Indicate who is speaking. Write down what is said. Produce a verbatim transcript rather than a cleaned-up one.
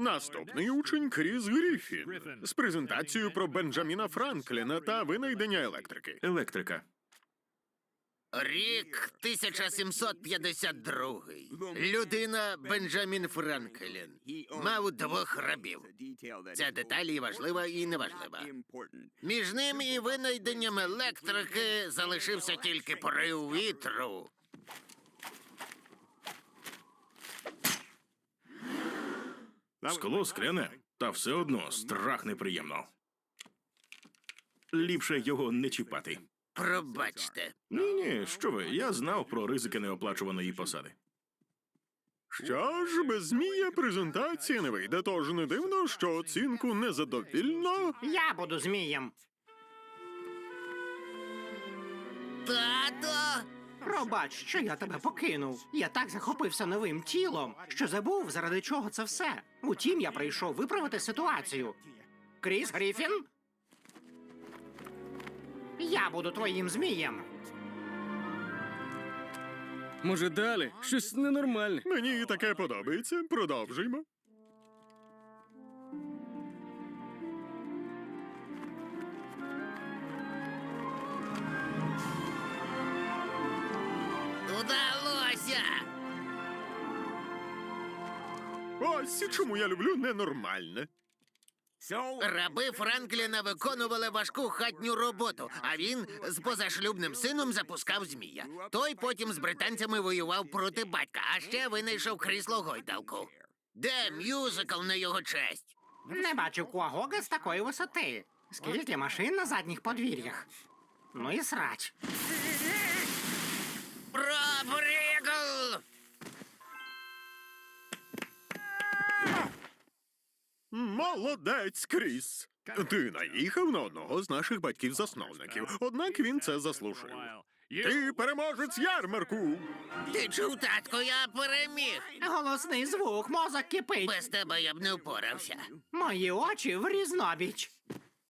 Speaker 1: Наступний учень Кріс Гріфін з презентацією про Бенджаміна Франкліна та винайдення електрики.
Speaker 2: Електрика.
Speaker 3: Рік тисяча сімсот п'ятдесят другий. Людина Бенджамін Франклін мав двох рабів. Ця деталь і важлива, і неважлива. Між ним і винайденням електрики залишився тільки порив вітру.
Speaker 2: Скло скляне, та все одно страх неприємно. Ліпше його не чіпати.
Speaker 3: Пробачте.
Speaker 2: Ні-ні, що ви, я знав про ризики неоплачуваної посади.
Speaker 1: Що ж, без змія презентація не вийде, тож не дивно, що оцінку незадовільно.
Speaker 4: Я буду змієм.
Speaker 3: Тато!
Speaker 4: Пробач, що я тебе покинув. Я так захопився новим тілом, що забув, заради чого це все. Утім, я прийшов виправити ситуацію. Кріс Гріфін? Я буду твоїм змієм.
Speaker 5: Може, далі? Щось ненормальне.
Speaker 1: Мені і таке подобається. Продовжуємо.
Speaker 3: Удалося!
Speaker 1: Ось чому я люблю ненормальне.
Speaker 3: Раби Франкліна виконували важку хатню роботу, а він з позашлюбним сином запускав змія. Той потім з британцями воював проти батька, а ще винайшов крісло-гойдалку. Де мюзикл на його честь?
Speaker 4: Не бачив Куагога з такої висоти. Скільки машин на задніх подвір'ях. Ну і срач.
Speaker 3: Пробрігл!
Speaker 1: Молодець, Кріс. Ти наїхав на одного з наших батьків-засновників, однак він це заслужив. Ти переможець ярмарку!
Speaker 3: Ти чув, татко, я переміг.
Speaker 4: Голосний звук, мозок кипить.
Speaker 3: Без тебе я б не впорався.
Speaker 4: Мої очі в різнобіч.